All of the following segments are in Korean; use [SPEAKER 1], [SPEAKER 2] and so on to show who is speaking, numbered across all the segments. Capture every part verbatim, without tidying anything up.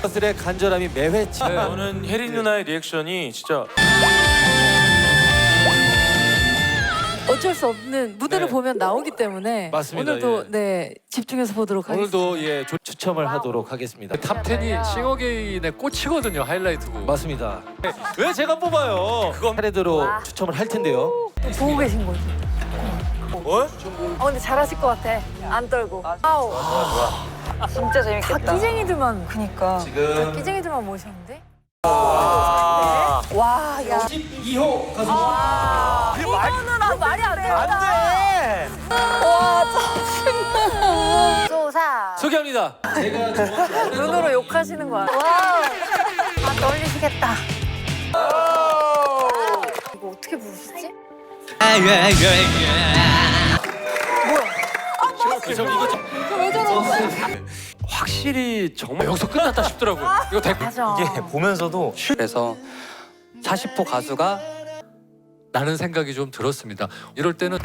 [SPEAKER 1] 것들의 간절함이 매회치.
[SPEAKER 2] 네, 저는 혜린 누나의 리액션이 진짜
[SPEAKER 3] 어쩔 수 없는 무대를
[SPEAKER 1] 네.
[SPEAKER 3] 보면 나오기 때문에
[SPEAKER 1] 맞습니다,
[SPEAKER 3] 오늘도
[SPEAKER 1] 예.
[SPEAKER 3] 네 집중해서 보도록 하겠습니다.
[SPEAKER 1] 오늘도 예 조- 추첨을 하도록 하겠습니다.
[SPEAKER 4] 탑텐이 싱어게인의 꽃이거든요. 하이라이트고.
[SPEAKER 1] 맞습니다. 왜 제가 뽑아요? 그건 차례대로 추첨을 할 텐데요.
[SPEAKER 3] 보고 계신 거지.
[SPEAKER 2] 뭐?
[SPEAKER 3] 어 근데 잘하실 것 같아. 안 떨고. 아우.
[SPEAKER 5] 진짜 재밌겠다.
[SPEAKER 3] 다 끼쟁이들만
[SPEAKER 5] 그니까.
[SPEAKER 1] 지금
[SPEAKER 3] 끼쟁이들만 모셨는데.
[SPEAKER 5] 와, 야.
[SPEAKER 1] 십이 호 가수.
[SPEAKER 3] 이거는 아, 말이 안 된다.
[SPEAKER 2] 돼!
[SPEAKER 5] 소사.
[SPEAKER 1] 소개합니다. 제가 좋아하는
[SPEAKER 3] 눈으로 욕하시는 거야.
[SPEAKER 5] 와. 아, 떨리시겠다.
[SPEAKER 3] 이거 어떻게 부르시지?
[SPEAKER 1] 이거 이거 좀-
[SPEAKER 3] 왜 저러는 거야?
[SPEAKER 4] 확실히 정말 여기서 끝났다 싶더라고요. 이거 대...
[SPEAKER 3] 맞아.
[SPEAKER 2] 이게 보면서도
[SPEAKER 6] 그래서 사십 호 가수가
[SPEAKER 4] 라는 생각이 좀 들었습니다. 이럴 때는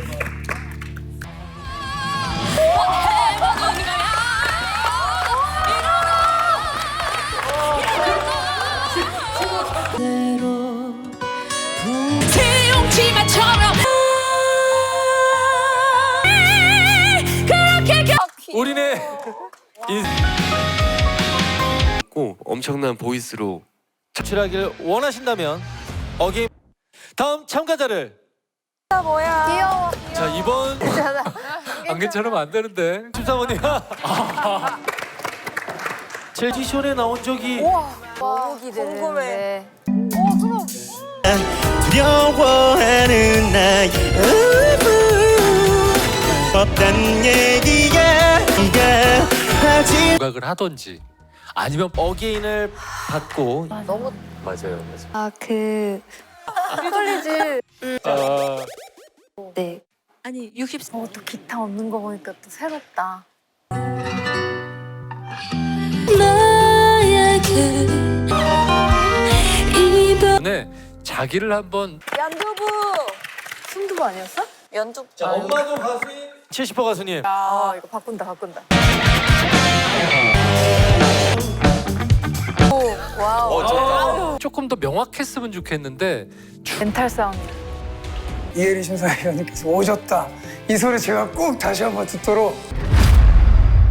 [SPEAKER 7] 새용치마처럼 그렇게 겨...
[SPEAKER 1] 우리네
[SPEAKER 2] 고 엄청난 보이스로
[SPEAKER 1] 출하길 원하신다면 어게인 다음 참가자를
[SPEAKER 5] 귀여워.
[SPEAKER 1] 자 이번
[SPEAKER 4] 안 괜찮으면 안 되는데.
[SPEAKER 1] 심사원님 젤지션에 나온 적이
[SPEAKER 3] 너무 기대되는데.
[SPEAKER 8] 두려워하는 나의 의무 없단 얘기야 네가 하지
[SPEAKER 4] 부각을 하던지 아니면
[SPEAKER 1] 어게인을 받고
[SPEAKER 3] 너무
[SPEAKER 2] 맞아요, 맞아요.
[SPEAKER 5] 아, 그.
[SPEAKER 3] 떨리지.
[SPEAKER 1] 어,
[SPEAKER 5] 네.
[SPEAKER 3] 아니 육십. 어, 또 기타 없는 거 보니까 또 새롭다.
[SPEAKER 7] 나에게 이별
[SPEAKER 4] 네, 자기를 한번
[SPEAKER 3] 연두부. 순두부 아니었어?
[SPEAKER 5] 연주.
[SPEAKER 1] 자 엄마도 가수인 칠십 호 가수님
[SPEAKER 3] 아 이거 바꾼다 바꾼다. 오 와우.
[SPEAKER 4] 조금 더 명확했으면 좋겠는데
[SPEAKER 3] 멘탈 싸움.
[SPEAKER 9] 이혜리 심사위원님께서 오셨다. 이 소리 제가 꼭 다시 한번 듣도록